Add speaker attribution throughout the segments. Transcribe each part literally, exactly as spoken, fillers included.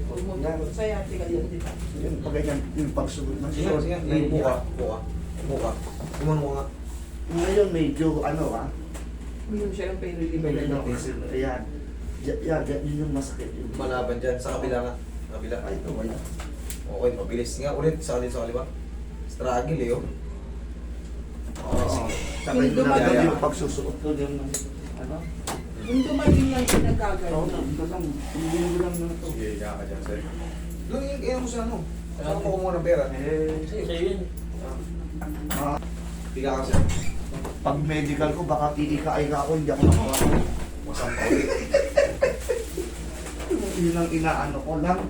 Speaker 1: Tumutugot sa yate ka yun, di ba?
Speaker 2: Yung pag ganyan, yung pagsugot ng
Speaker 3: Sige,
Speaker 2: suot.
Speaker 3: sige. Upo ka. Upo ka. Upo ka. Kumano ka nga.
Speaker 2: Ngayon medyo ano ah.
Speaker 1: Uminom siya ng pain reliever
Speaker 2: Medyo
Speaker 1: na
Speaker 2: ano kasi, ayan. Y- Yan, yan, yun yung masakit. Yun.
Speaker 3: Malaban dyan. Sa kabila nga. Sa kabila.
Speaker 2: Ay, ito ba yan?
Speaker 3: Okay, mabilis nga. Ulit. Sa kalin sa kaliwa. Struggle eh, oh. Okay,
Speaker 2: Oo.
Speaker 3: sige.
Speaker 2: Saka
Speaker 1: Yung
Speaker 2: yung
Speaker 1: dumating-
Speaker 2: ginagawa yung pagsusuot ko yung ano?
Speaker 1: Yung dumating lang siya
Speaker 2: Oo,
Speaker 1: nagkagano.
Speaker 2: ito lang. Hindi ko lang na ito.
Speaker 3: Sige, higa ka dyan, sir. Lang, kaya mo sa ano. Saan ko kumuha ng pera?
Speaker 2: Eh,
Speaker 3: Sige, yun.
Speaker 2: ah,
Speaker 3: Higa ka, sir.
Speaker 2: pag medical ko, baka iika-ika ako, hindi ako nakuha.
Speaker 3: Masampa ulit.
Speaker 2: Yun ang inaano ko lang.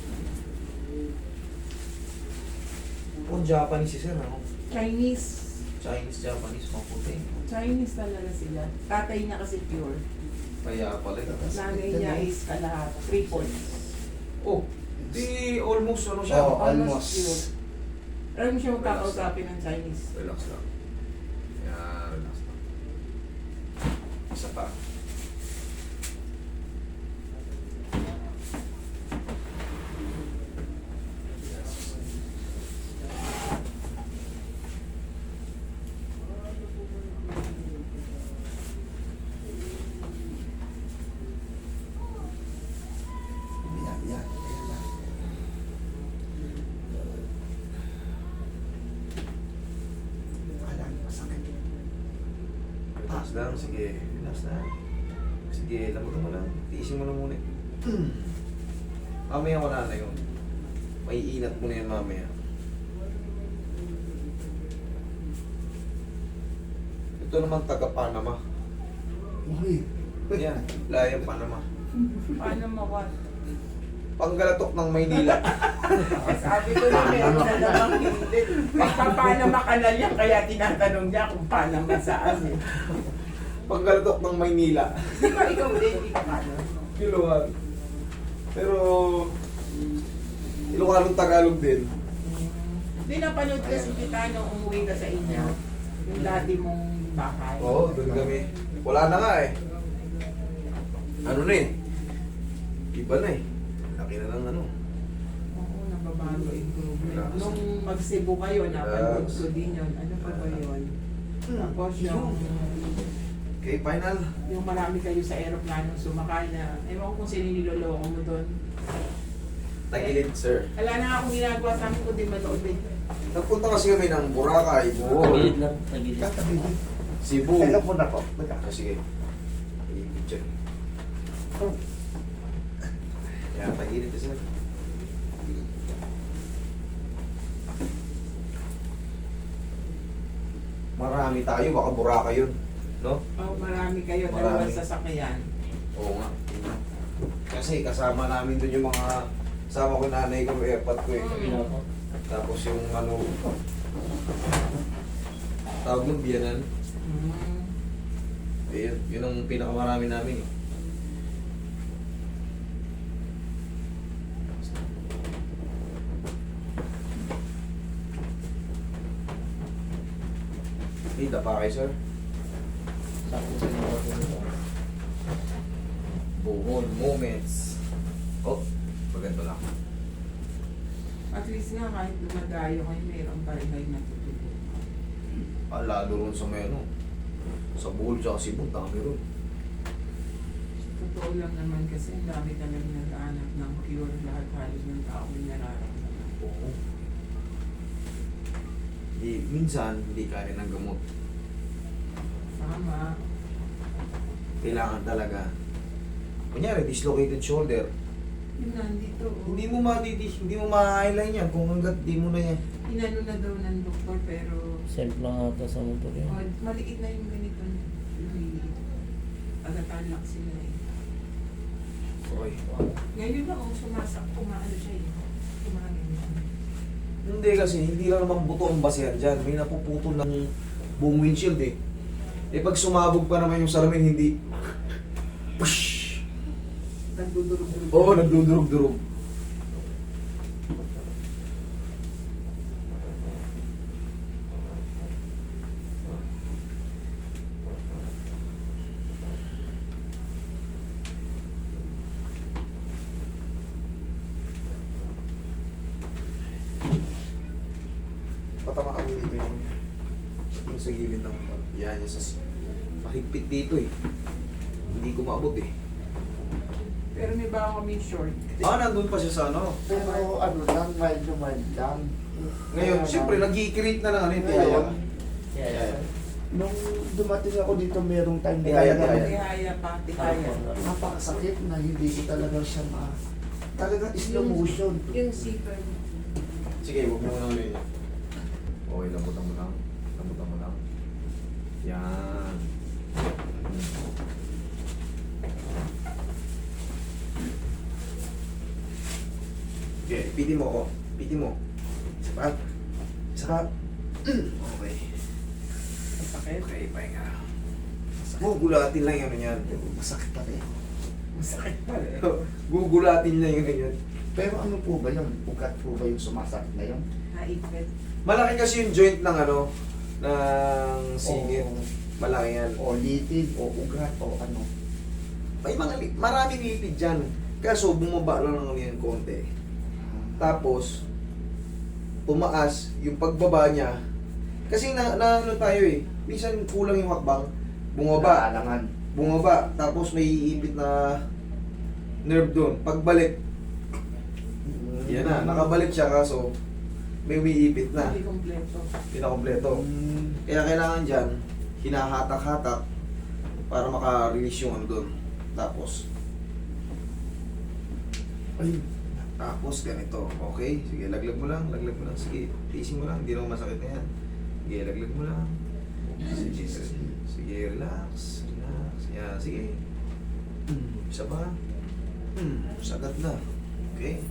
Speaker 3: Kung Japanese si sir, ano?
Speaker 1: Chinese.
Speaker 3: Chinese, Japanese, maputi.
Speaker 1: Chinese talaga sila. Tatay niya kasi pure.
Speaker 3: Kaya pala.
Speaker 1: Nanay niya is kalahat. Three fourths.
Speaker 3: Oh, di almost ano siya.
Speaker 2: Oo.
Speaker 1: Almost
Speaker 2: almost.
Speaker 1: pure. Alam mo siya magkakausapin ng Chinese.
Speaker 3: Relax lang. Yan, relax lang. Isa pa.
Speaker 2: Yan, yan. Yan lang. Alam, masakit.
Speaker 3: Relax lang, sige. Relax lang. Sige, lamog mo lang. Tiisin mo na muna. Mamaya wala na yun. May inat mo na yan mamaya. Ito naman taga Panama.
Speaker 2: Uy.
Speaker 3: Yan, layang Panama.
Speaker 1: Paano mawat?
Speaker 3: Panggalatok ng Maynila.
Speaker 1: Sabi ko na meron na namang hindi. May papanama ka na niya, kaya tinatanong niya kung panama saan eh.
Speaker 3: Panggalatok ng Maynila.
Speaker 1: Di ba ikaw din, di ka paano?
Speaker 3: Ilocan. Pero Ilocanong Tagalog din.
Speaker 1: Di napanood kasi kita nung umuwi ka sa inyo. Yung dati mong bahay.
Speaker 3: Oo, doon kami. Wala na nga eh. Ano na eh. Iba na eh. Laki na ng ano.
Speaker 1: Oo, nababago improvement.
Speaker 3: Relax.
Speaker 1: Nung mag-Cebu kayo, napanood
Speaker 3: Relax.
Speaker 1: ko din yun. Ano pa ba yun? Tapos yung,
Speaker 3: Okay, final.
Speaker 1: yung marami kayo sa aeroplano sumakay na, ewan ko kung sino niloloko mo doon.
Speaker 3: Tagilid, sir.
Speaker 1: Wala na akong ginagawa sa amin kundi manood din.
Speaker 3: Nagpunta kasi kami ng Boracay, Bohol,
Speaker 4: Tagilid lang, tagilid.
Speaker 2: Katabi.
Speaker 3: Cebu.
Speaker 2: Kailan po na po? Teka.
Speaker 3: Ah, sige. Tagilid dyan. Yan, tagilid ka, sir. Marami tayo, baka Boracay yun. No?
Speaker 1: Oh, marami kayo,
Speaker 3: Marami.
Speaker 1: dalawang sasakyan.
Speaker 3: Oo nga. Kasi kasama namin dun yung mga kasama ko yung nanay ko, airpot ko eh.
Speaker 4: Tagilid ako.
Speaker 3: Tapos yung ano, tawag ng biyanan.
Speaker 1: Mm.
Speaker 3: Eh, yun, yun ang pinakamarami namin eh. Hey, dapa kayo, sir.
Speaker 4: Sakto sa mga ko.
Speaker 3: Bohol moments. Oh, maganda lang.
Speaker 1: At least nga kahit lumadayo kayo, mayroon pa rin kayo natutulog.
Speaker 3: Ah, lalo rin sa may ano. Sa Bohol tsaka Cebu, dami rin.
Speaker 1: Totoo lang naman kasi ang dami talaga nag-aanap ng cure, lahat halos ng tao may nararamdaman.
Speaker 3: Oo. Di, minsan, hindi kaya ng gamot.
Speaker 1: Tama.
Speaker 3: Kailangan talaga. Kunyari, dislocated shoulder.
Speaker 1: Yun nandito. oh.
Speaker 3: Hindi mo matiti, hindi mo ma-highline yan kung hanggat di mo na yan.
Speaker 1: Inano na daw ng doktor pero
Speaker 4: Self lang ata sa motor yun.
Speaker 1: oh, maliit na yung ganito niya. Lumiliit. Agatalak sila eh.
Speaker 3: Okay.
Speaker 1: Ngayon lang oh, sumasak, kumaano siya eh. Kumaganyan.
Speaker 3: Hindi kasi, hindi lang naman buto ang basehan dyan. May napuputol ng buong windshield eh. Eh pag sumabog pa naman yung salamin, hindi. Push!
Speaker 1: Nagdudurog-durog.
Speaker 3: Oo, nagdudurog-durog. sa gilid ng motor. Yan, yung sa... Mahigpit dito eh. Hindi ko maabot eh.
Speaker 1: Pero may ba kami short?
Speaker 3: Ah, nandun pa siya sa ano.
Speaker 2: Pero ano lang, mild na mild lang.
Speaker 3: Ngayon,
Speaker 2: Kaya
Speaker 3: siyempre,
Speaker 2: lang,
Speaker 3: nag-i-create na ng ano yung
Speaker 2: Ngayon,
Speaker 3: tiyaya.
Speaker 4: Kaya,
Speaker 2: nung dumating ako dito, merong time na
Speaker 3: Tihaya,
Speaker 2: talaga
Speaker 3: tihaya.
Speaker 1: Tihaya pa, tihaya.
Speaker 2: napakasakit na hindi ko talaga siya ma... Talaga slow motion.
Speaker 5: Yung zipper.
Speaker 3: Sige, huwag mo na ulit yan. Okay, lambutan mo lang. Lambutan mo lang. Yan. Okay, piti mo ako. Piti mo. Isa pa. Isa pa. Okay.
Speaker 1: Masakit.
Speaker 3: Okay, pahinga. Gugulatin lang yun yan.
Speaker 2: Masakit pa rin.
Speaker 1: Masakit pa rin.
Speaker 3: Gugulatin lang yun yan.
Speaker 2: Pero ano po ba yun? Ugat po ba yung sumasakit na yun?
Speaker 1: Naipit.
Speaker 3: Malaki kasi yung joint ng ano, ng sigit.
Speaker 2: O,
Speaker 3: Malaki yan.
Speaker 2: o litid, o ugat, o ano.
Speaker 3: May mga li- maraming lipid dyan. Kaso bumaba lang ng yan konti. Tapos, tumaas yung pagbaba niya. Kasi na, na ano tayo eh, minsan kulang yung hakbang. Bumaba,
Speaker 2: Naalangan.
Speaker 3: bumaba, tapos may iipit na nerve doon. Pagbalik, yan na, nakabalik siya kaso may umiipit na.
Speaker 1: Hindi kompleto.
Speaker 3: Pinakompleto.
Speaker 2: Mm.
Speaker 3: Kaya kailangan dyan, hinahatak-hatak para maka-release yung ano doon. Tapos,
Speaker 2: Ay,
Speaker 3: tapos ganito. Okay, sige, laglag mo lang, laglag mo lang. Sige, tiisin mo lang, hindi naman masakit na yan. Sige, laglag mo lang. Sige, sige, sige, relax, relax. Yan, sige.
Speaker 2: mm.
Speaker 3: Isa pa. Hmm, sagat na. Okay.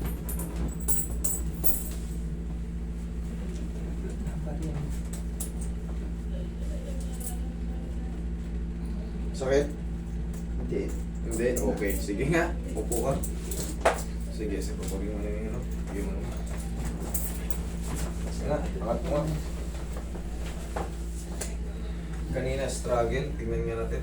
Speaker 3: Sakit?
Speaker 2: Hindi.
Speaker 3: Hindi? Okay. Sige nga. Upo ka. Sige, sige. Pagpagin mo na yung ano. Pagpagin mo na. Sige nga. Angat mo nga. Kanina struggle. Tingnan nga natin.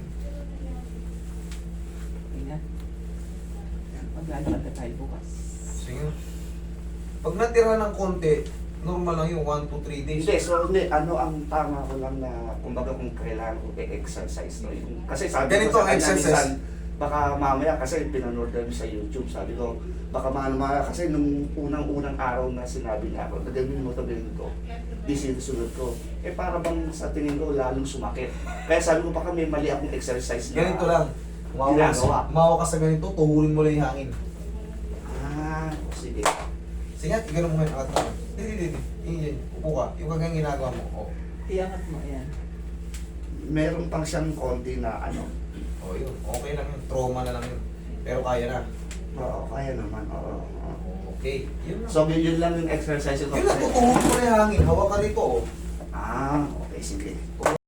Speaker 1: Tingnan. Maglalakad na tayo bukas.
Speaker 3: Sige nga. Pag natira ng konti, normal lang yung one to three days.
Speaker 2: Hindi, so hindi, ano ang tama ko lang na, kumbaga kung kailangan ko i-exercise, no? Yung- Kasi sabi
Speaker 3: Ganito
Speaker 2: ko
Speaker 3: ang
Speaker 2: sa kanya
Speaker 3: exercise.
Speaker 2: minsan, baka mamaya, kasi pinanood namin sa YouTube, sabi ko, baka mamaya, kasi nung unang-unang araw na sinabi niya ako, nagawin mo ito, ganyan ko, di sinusunod ko. Eh para bang sa tingin ko, lalong sumakit. Kaya sabi ko, baka may mali akong exercise na.
Speaker 3: Ganito lang. Umawa ka,
Speaker 2: Ginagawa.
Speaker 3: umawa ka sa ganito, tuhulin mo lang yung hangin.
Speaker 2: Ah, o sige.
Speaker 3: Sige, gano'n mo ngayon. Angat mo. Hindi, hindi, hindi. Hindi, upo ka. Yung kagang ginagawa mo. Oh.
Speaker 1: Iangat mo, ayan.
Speaker 2: Meron pang siyang konti na ano,
Speaker 3: Oh, yun. Okay lang yun. Trauma na lang yun. Pero kaya na.
Speaker 2: oo, kaya naman, oo. oo.
Speaker 3: Okay. Yun lang.
Speaker 2: So, yun lang yung exercise ko.
Speaker 3: Yun lang, tutuhulin mo lang yung hangin. Hawak ka rito, oh.
Speaker 2: Ah, okay, sige.